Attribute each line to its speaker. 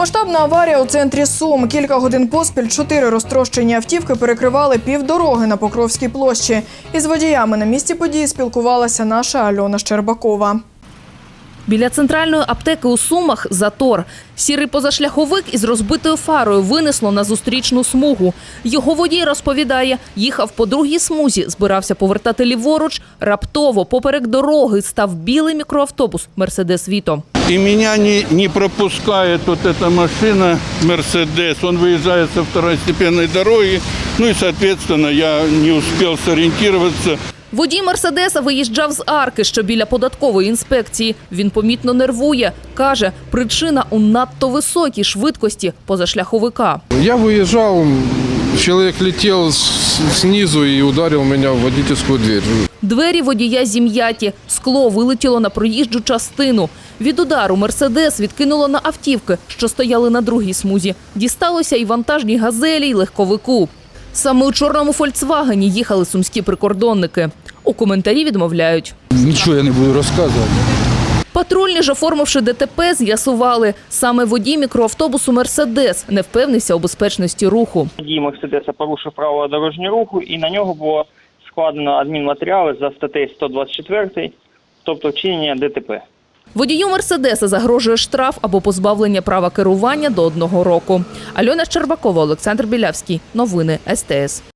Speaker 1: Масштабна аварія у центрі Сум. Кілька годин поспіль 4 розтрощені автівки перекривали півдороги на Покровській площі. Із водіями на місці події спілкувалася наша Альона Щербакова.
Speaker 2: Біля центральної аптеки у Сумах – затор. Сірий позашляховик із розбитою фарою винесло на зустрічну смугу. Його водій розповідає, їхав по другій смузі, збирався повертати ліворуч. Раптово поперек дороги став білий мікроавтобус «Мерседес Віто».
Speaker 3: И меня не пропускает вот эта машина «Мерседес». Он выезжает со второстепенной дороги. Ну и, соответственно, я не успел сориентироваться.
Speaker 2: Водій «Мерседеса» виїжджав з арки, що біля податкової інспекції. Він помітно нервує. Каже, причина у надто високій швидкості позашляховика.
Speaker 4: Я выезжал, человек летел снизу и ударил меня в водительскую дверь.
Speaker 2: Двері водія зім'яті, скло вилетіло на проїжджу частину. Від удару «Мерседес» відкинуло на автівки, що стояли на другій смузі. Дісталося і вантажній «Газелі», і легковику. Саме у чорному «Фольксвагені» їхали сумські прикордонники. У коментарі відмовляють.
Speaker 5: Нічого я не буду розказувати.
Speaker 2: Патрульні ж, оформивши ДТП, з'ясували, саме водій мікроавтобусу «Мерседес» не впевнився у безпечності руху.
Speaker 6: Водій «Мерседеса» порушив правила дорожнього руху і на нього було складено адмінматеріали за статтею 124, тобто вчинення ДТП.
Speaker 2: Водію «Мерседеса» загрожує штраф або позбавлення права керування до 1 року. Альона Щербакова, Олександр Білявський. Новини СТС.